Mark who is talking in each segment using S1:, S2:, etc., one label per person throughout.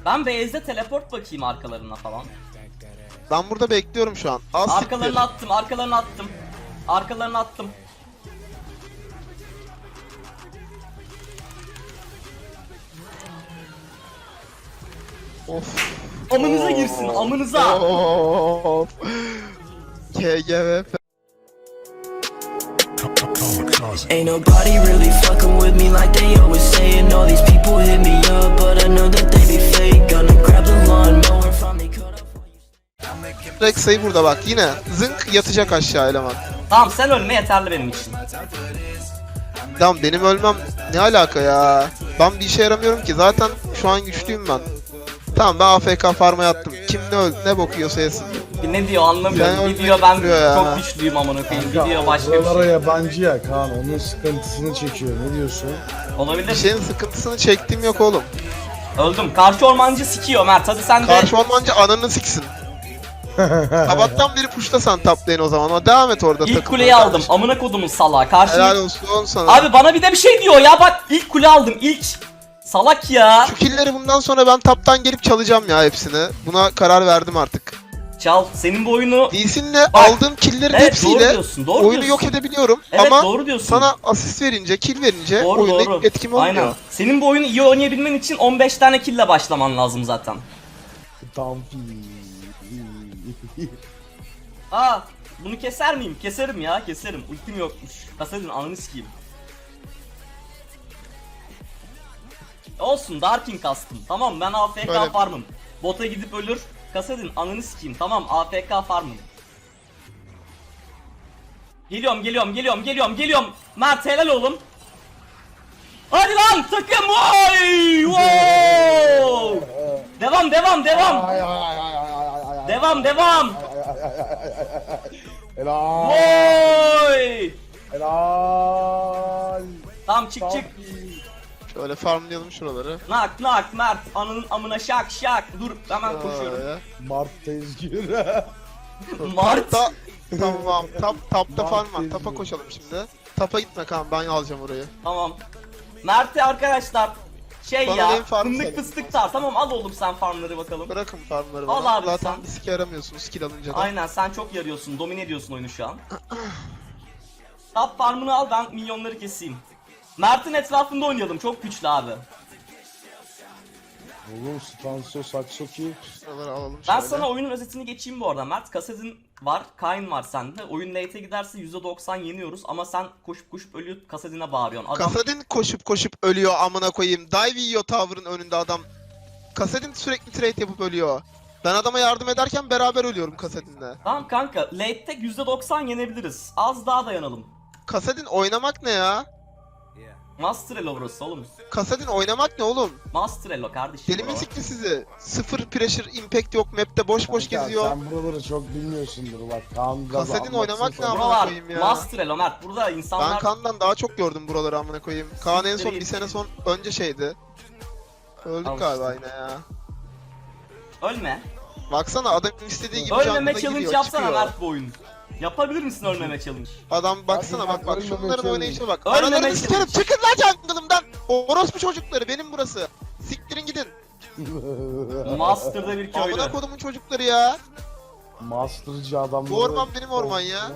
S1: Ben base'de teleport bakayım arkalarına falan.
S2: Ben burada bekliyorum şu an.
S1: Arkalarını attım, arkalarını attım. Arkalarını attım.
S2: Of.
S1: Amınıza girsin, amınıza.
S2: Of. KGVP.
S3: Ain't nobody really fucking with me like they always saying. All these people hit me up, but I know that they be fake. Gonna grab the lawnmower from me, cut off.
S2: Rex'e burada bak yine zınk yatacak aşağı eleman.
S1: Tamam sen ölme yeterli benim için.
S2: Tamam benim ölmem ne alaka ya? Ben bir işe yaramıyorum ki zaten şu an güçlüyüm ben. Tamam ben AFK farm'a yattım. Kim ne öldü ne bokuyorsa yesin.
S1: Ne diyor anlamıyorum.
S2: Ben
S1: Bir diyor ben
S2: ya.
S1: çok güçlüyüm amına koyayım. Bir diyor başka bir
S4: Oralara
S1: şey.
S4: yabancı ya Kaan, onun sıkıntısını çekiyor. Ne diyorsun?
S2: Bir
S1: Olabilir.
S2: şeyin sıkıntısını çektiğim yok oğlum.
S1: Öldüm. Karşı ormancı sikiyor Mert. Hadi sen de.
S2: Karşı ormancı ananı siksin. Sabahtan beri puşlasan top lane o zaman ama devam et orada
S1: İlk
S2: takılmaya
S1: kuleyi aldım.
S2: kardeşim.
S1: Amına kodumun salağı. Karşı.
S2: Helal olsun sana.
S1: Abi bana bir de bir şey diyor ya bak ilk kule aldım ilk. Salak ya.
S2: Şu killleri bundan sonra ben taptan gelip çalacağım ya hepsini. Buna karar verdim artık.
S1: Çal senin bu oyunu.
S2: Lee'sinle aldığım killerin
S1: Evet,
S2: hepsiyle
S1: doğru diyorsun, doğru
S2: oyunu
S1: diyorsun.
S2: yok edebiliyorum
S1: Evet
S2: ama
S1: doğru diyorsun.
S2: sana asist verince, kill verince
S1: Doğru
S2: oyunda
S1: doğru.
S2: etkim olmuyor.
S1: Aynen. Senin bu oyunu iyi oynayabilmen için 15 tane kill'le başlaman lazım zaten.
S4: Tam
S1: Aa bunu keser miyim? Keserim ya keserim. Ultim yokmuş. Kasadın ananı sikeyim. Olsun Darkin kastım. Tamam ben AFK
S2: Öyle.
S1: farmım. Bota gidip ölür. Kasadın ananı sikeyim. Tamam AFK farmım. Geliyorum. Mert helal oğlum. Hadi lan takım vay! Wow! Devam. Devam.
S4: Helal.
S1: Oy!
S4: Helal.
S1: Tamam çık.
S2: Şöyle farmlayalım şuraları.
S1: Nak Mert ananın amına şak. Dur hemen koşuyorum.
S2: Şöyle.
S4: Mart tezgürü.
S1: Mart.
S2: Tamam. Tapta
S4: Mart
S2: farm var.
S4: tezgürü.
S2: Tapa koşalım şimdi. Tapa gitme kan ben alacağım orayı.
S1: Tamam. Mert'e arkadaşlar şey
S2: Bana
S1: ya
S2: benim farm
S1: fındık
S2: söyle.
S1: fıstık tar. Tamam al oğlum sen farmları bakalım.
S2: Bırakın farmları
S1: Al
S2: bana.
S1: abi
S2: Zaten
S1: sen.
S2: bir sike yaramıyorsun skill alınca da.
S1: Aynen sen çok yarıyorsun. Domine ediyorsun oyunu şu an. Top farmını al ben milyonları keseyim. Mert'in etrafında oynayalım. Çok güçlü abi.
S4: Oğlum Stanso Saksoki.
S2: Şuraları alalım
S1: Ben
S2: şöyle.
S1: sana oyunun özetini geçeyim bu arada. Mert Kassadin var, Kayn var sende. Oyun late'e giderse %90 yeniyoruz ama sen koşup ölüyor Kassadin'e bağırıyorsun. Adam
S2: Kasadin koşup ölüyor amına koyayım. Dive yiyor tower'ın önünde adam. Kasadin sürekli trade yapıp ölüyor. Ben adama yardım ederken beraber ölüyorum Kasadin'le.
S1: Tamam kanka, late'te %90 yenebiliriz. Az daha dayanalım.
S2: Kasadin oynamak ne ya?
S1: Master Elo burası oğlum.
S2: Kasadin oynamak ne oğlum?
S1: Master Elo kardeşim.
S2: Deli mi
S1: buralar.
S2: sikti sizi? Sıfır pressure impact yok map'te boş
S4: Kanka,
S2: geziyor.
S4: Sen buraları çok bilmiyorsundur bak. Kaan biraz
S2: Kasadin
S4: anlatsın
S2: oynamak ne
S4: sana.
S2: ama?
S1: Buralar
S2: koyayım ya.
S1: Master Elo Mert. Burada
S2: Ben
S1: insanlar...
S2: Kaan'dan daha çok gördüm buraları amına koyayım. Kaan en son bir sene son önce şeydi. Öldük
S1: Al
S2: galiba
S1: işte.
S2: yine ya.
S1: Ölme.
S2: Baksana adam istediği gibi
S1: Ölmeme
S2: canlıda
S1: challenge
S2: giriyor,
S1: yapsana
S2: çıkıyor.
S1: Mert bu oyun. Yapabilir misin ölmeme challenge?
S2: Adam baksana
S4: Hadi
S2: bak
S4: ölmeme
S2: şunların
S4: challenge.
S2: oynayışına bak.
S1: Ölmeme
S2: Aralarını sikerim
S1: challenge.
S2: çıkın lan jungle'ımdan. Orospu çocukları benim burası. Siktirin gidin.
S1: Master'da bir köylü.
S2: Amına kodumun çocukları ya.
S4: Master'cı adamlar.
S2: Bu orman benim orman ya.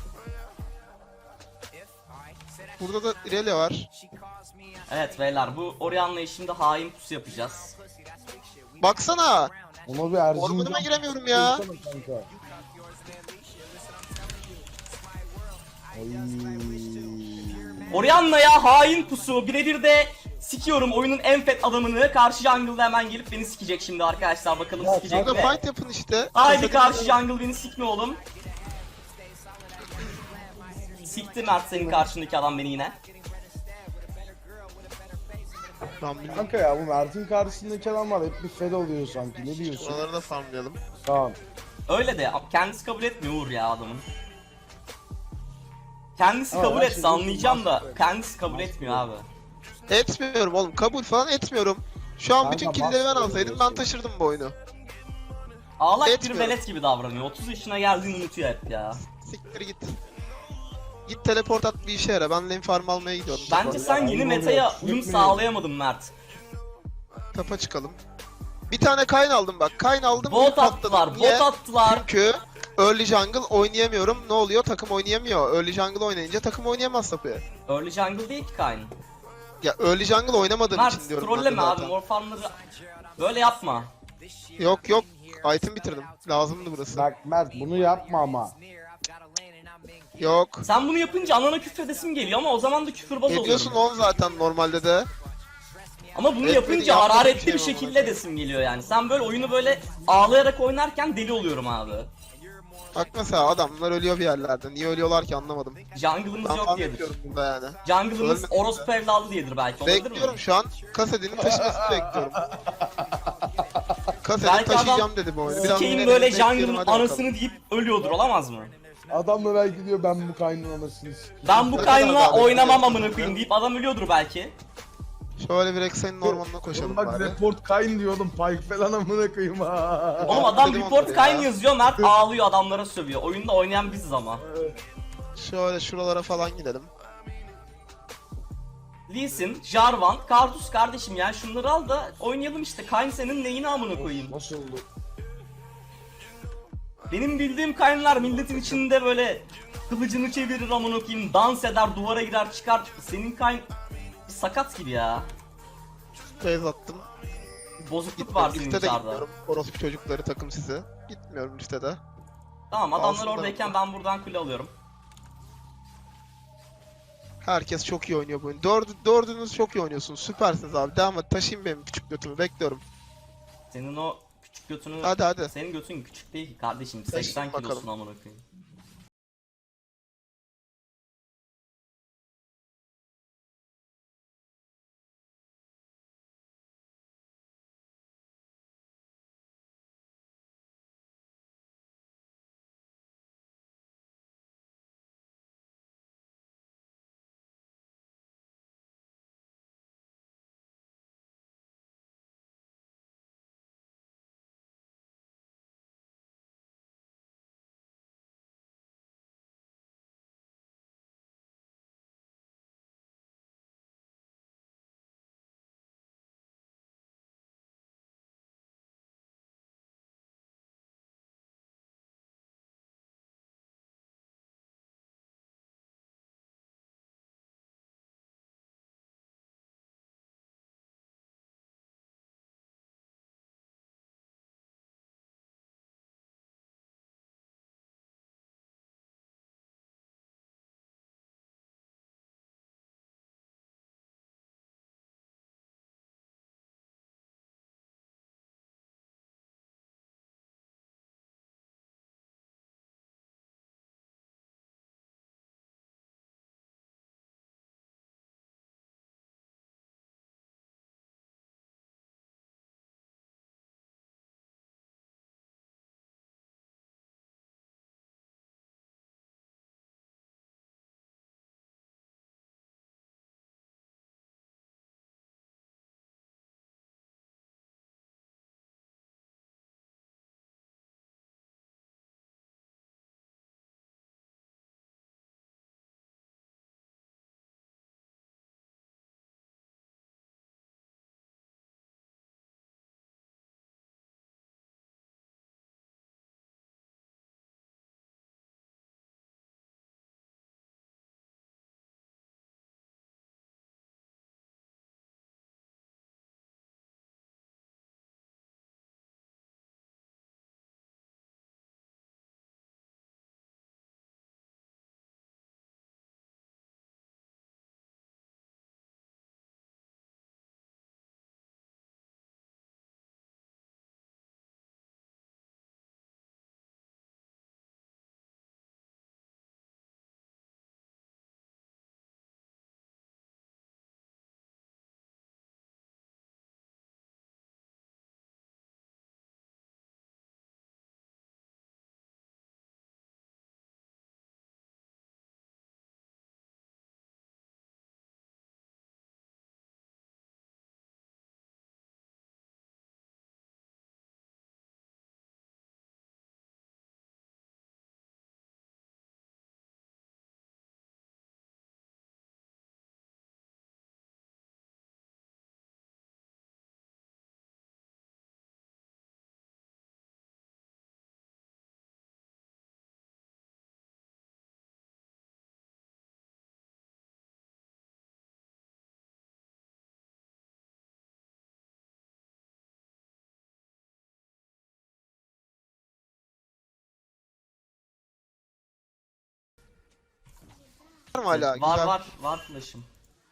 S2: Burada da Irelia var.
S1: Evet beyler bu Orianna'yı şimdi hain pusu yapacağız.
S2: Baksana.
S4: Ona bir Erzincan.
S2: Ormanıma giremiyorum ya.
S4: Kanka. Ay.
S1: Orianna'ya hain pusu birebir de sikiyorum oyunun en fet adamını. Karşı jungle'da hemen gelip beni sikecek şimdi arkadaşlar, bakalım
S4: Ya,
S1: sikecek
S2: Burada
S1: mi?
S2: fight yapın işte.
S1: Haydi
S2: Kasadin-
S1: karşı jungle beni sikme oğlum. Sikti Mert senin karşındaki adam beni yine.
S2: Lan bilmiyorum.
S4: Kanka ya bu Mert'in karşısındaki adamlar hep bir fed oluyor sanki. Ne diyorsun?
S2: Şuraları da farmlayalım.
S4: Kaan.
S1: Öyle de kendisi kabul etmiyor Uğur ya adamın. Kendisi
S4: Ama
S1: kabul
S4: ben
S1: etse
S4: şimdi
S1: anlayacağım da
S4: master-
S1: kendisi kabul etmiyor abi.
S2: Etmiyorum oğlum. Kabul falan etmiyorum. Şu an
S4: Kanka,
S2: bütün killleri ben
S4: master
S2: alsaydım ben
S4: diyorsun.
S2: taşırdım bu oyunu.
S1: Ağlak bir
S2: Etmiyorum.
S1: velet gibi davranıyor. 30 yaşına geldiğini unutuyor hep ya.
S2: Siktir git. Git teleport at bir işe yara. Ben lane farm almaya gidiyorum.
S1: Bence sen yeni
S4: ayıp
S1: metaya
S4: oluyor.
S1: uyum
S4: Gitmeyin.
S1: sağlayamadın Mert.
S2: Tapa çıkalım. Bir tane Kayn aldım bak. Kayn aldım.
S1: Bot
S2: patladım.
S1: attılar,
S2: Niye?
S1: bot attılar.
S2: Çünkü early jungle oynayamıyorum. Ne oluyor? Takım oynayamıyor. Early jungle oynayınca takım oynayamaz tabii.
S1: Early jungle değil ki Kayn.
S2: Ya early jungle oynamadığım için
S1: Mert
S2: diyorum ben de
S1: trolleme abi,
S2: zaten.
S1: mor farmları böyle yapma.
S2: Yok. Item bitirdim. Lazımdı burası.
S4: Bak Mert bunu yapma ama.
S2: Yok.
S1: Sen bunu yapınca anana küfredesim geliyor ama o zaman da küfürbaz
S2: Ediyorsun
S1: oluyorum.
S2: on zaten normalde de.
S1: Ama bunu
S2: Etmedi,
S1: yapınca
S2: yapmadığım
S1: hararetli
S2: şey
S1: bir
S2: mi
S1: şekilde desim geliyor yani. Sen böyle oyunu böyle ağlayarak oynarken deli oluyorum abi.
S2: Bak mesela adamlar ölüyor bir yerlerde. Niye ölüyorlar ki anlamadım.
S1: Jungle'ımız
S2: Ben
S1: yok
S2: falan
S1: diyedir.
S2: yapıyorum burada yani.
S1: Jungle'ımız
S2: Ölme.
S1: orospu evladı diyedir belki, olabilir mi?
S2: Bekliyorum şu an. Kasedinin taşımasını bekliyorum. Kasedini
S1: Belki
S2: taşıyacağım
S1: adam
S2: dedi bu oyunu. Biraz
S1: sikeyim
S2: dinleyelim,
S1: böyle
S2: bekleyelim,
S1: jungle'ın
S2: hadi bakalım.
S1: anasını deyip ölüyordur, olamaz mı?
S4: Adam da belki diyor ben bu kaynın anasını sikeyim.
S1: Ben bu
S2: Ne kadar
S1: kaynla
S2: daha
S1: oynamam
S2: bekliyorsun
S1: amına
S2: ya?
S1: koyayım deyip adam ölüyordur belki.
S2: Şöyle bir Rex'in ormanına koşalım
S4: Oğlum bak
S2: bari.
S4: report kayn diyordum. Pike falan amına koyayım ha.
S1: Oğlum adam
S2: Dedim
S1: report
S2: onları
S1: kayn
S2: ya.
S1: yazıyor, Mert ağlıyor, adamlara sövüyor. Oyunda oynayan biziz ama.
S2: Şöyle şuralara falan gidelim.
S1: Lee Sin, Jarvan, Karthus kardeşim yani şunları al da oynayalım işte. Kayn senin neyini amına koyayım.
S4: Nasıl oldu?
S1: Benim bildiğim Kaynlar milletin içinde böyle kılıcını çevirir amına koyayım, dans eder, duvara girer çıkar. Senin Kayn bir sakat gibi ya.
S2: Base attım.
S1: Bozukluk var senin
S2: Listede
S1: içeride.
S2: gitmiyorum. Orospu çocukları takım sizi. Gitmiyorum listede.
S1: Tamam, adamlar
S2: Alsınlar
S1: oradayken
S2: onu.
S1: ben buradan kule alıyorum.
S2: Herkes çok iyi oynuyor bu oyunu. Dördünüz çok iyi oynuyorsunuz. Süpersiniz abi. Devam et. Taşıyın benim küçük götümü. Bekliyorum.
S1: Senin o küçük götünü...
S2: Hadi.
S1: Senin götün küçük değil ki kardeşim.
S2: Taşıyın
S1: 80
S2: bakalım.
S1: kilosun amına koyayım.
S2: mı hala?
S1: Var
S2: Güzel.
S1: var flash'ım.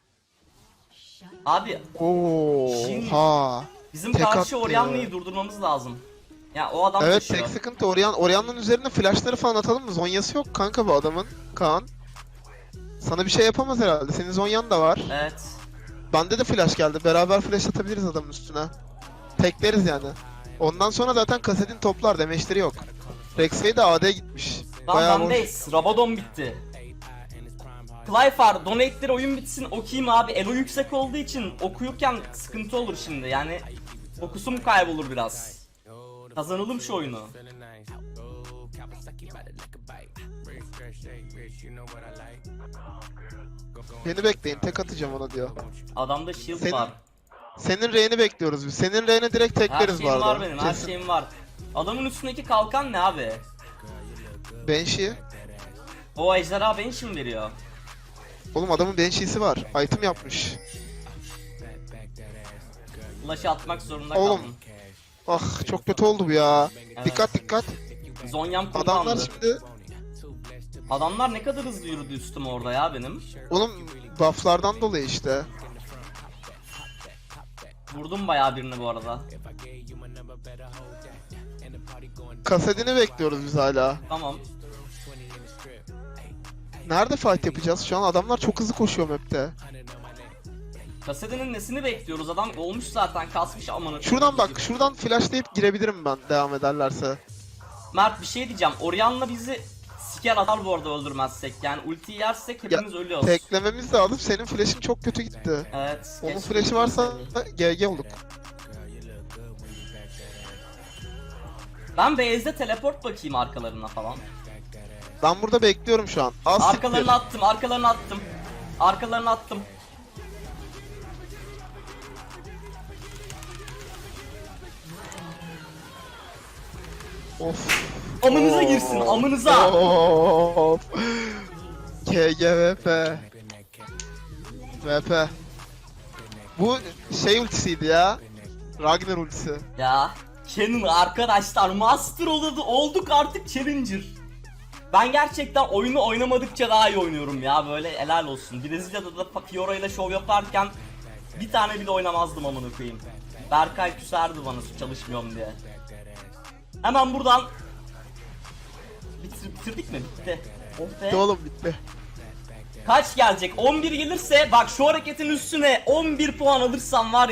S1: Abi
S2: Oha.
S1: bizim
S2: Tek
S1: karşı
S2: attı
S1: Orianna'yı
S2: ya.
S1: durdurmamız lazım. Ya o adam
S2: Evet,
S1: taşıyor.
S2: tek sıkıntı Orianna'nın üzerine flashları falan atalım mı? Zonyası yok kanka bu adamın. Kaan. Sana bir şey yapamaz herhalde. Senin Zonyan da var.
S1: Evet.
S2: Bende de flash geldi. Beraber flash atabiliriz adamın üstüne. Tekleriz yani. Ondan sonra zaten kasetin toplar. Demeçleri yok. Rex'e de AD gitmiş.
S1: Lan
S2: boş.
S1: bendeyiz. Rabadon bitti. Clyfar, donate'leri oyun bitsin okuyayım abi. Elo yüksek olduğu için okuyurken sıkıntı olur şimdi. Yani fokusum kaybolur biraz. Kazanalım şu oyunu.
S2: Beni bekleyin. Tek atacağım ona diyor.
S1: Adamda shield
S2: Senin-
S1: var.
S2: Senin R'ni bekliyoruz biz. Senin R'ni direkt
S1: Her
S2: tekleriz bu
S1: şeyim
S2: arada.
S1: var benim, her
S2: Kesin.
S1: şeyim var. Adamın üstündeki kalkan ne abi?
S2: Banshee.
S1: O ejderha beni şimdi veriyor.
S2: Oğlum adamın Banshee'si var. Item yapmış.
S1: Flash'ı atmak zorunda
S2: Oğlum.
S1: kaldım.
S2: Ah çok kötü oldu bu ya.
S1: Evet.
S2: Dikkat dikkat.
S1: Zonyam
S2: Adamlar
S1: kullandı.
S2: şimdi...
S1: Adamlar ne kadar hızlı yürüdü üstüme orada ya benim.
S2: Oğlum bufflardan dolayı işte.
S1: Vurdum bayağı birini bu arada.
S2: Kasedini bekliyoruz biz hala.
S1: Tamam.
S2: Nerede fight yapacağız? Şu an adamlar çok hızlı koşuyor map'te.
S1: Kasedenin nesini bekliyoruz? Adam olmuş zaten, kasmış amına.
S2: Şuradan bak, şuradan flashlayıp girebilirim ben devam ederlerse.
S1: Mert bir şey diyeceğim. Orianna bizi siker atar bu arada öldürmezsek. Yani ultiyi yersek hepimiz ölüyoruz.
S2: Teklememiz lazım. Senin flash'in çok kötü gitti.
S1: Evet.
S2: Onun
S1: keşke
S2: flash'i varsa GG olduk.
S1: Ben base'de teleport bakayım arkalarına falan.
S2: Ben burada bekliyorum şu an. Az
S1: Arkalarını attım, arkalarını attım. Arkalarını attım.
S2: Of.
S1: Amınıza girsin, amınıza.
S2: Of. KGVP. VP. Bu şey ultisiydi ya. Ragnar ultisi.
S1: Ya Canon arkadaşlar, master olduk artık, challenger. Ben gerçekten oyunu oynamadıkça daha iyi oynuyorum ya, böyle helal olsun. Brezilya'da da Fiora ile şov yaparken bir tane bile oynamazdım amına koyayım. Berkay küserdi bana çalışmıyorum diye. Hemen buradan bitirdik mi? Bitti. Oh be.
S2: Bitti oğlum bitti.
S1: Kaç gelecek? 11 gelirse bak, şu hareketin üstüne 11 puan alırsam var ya.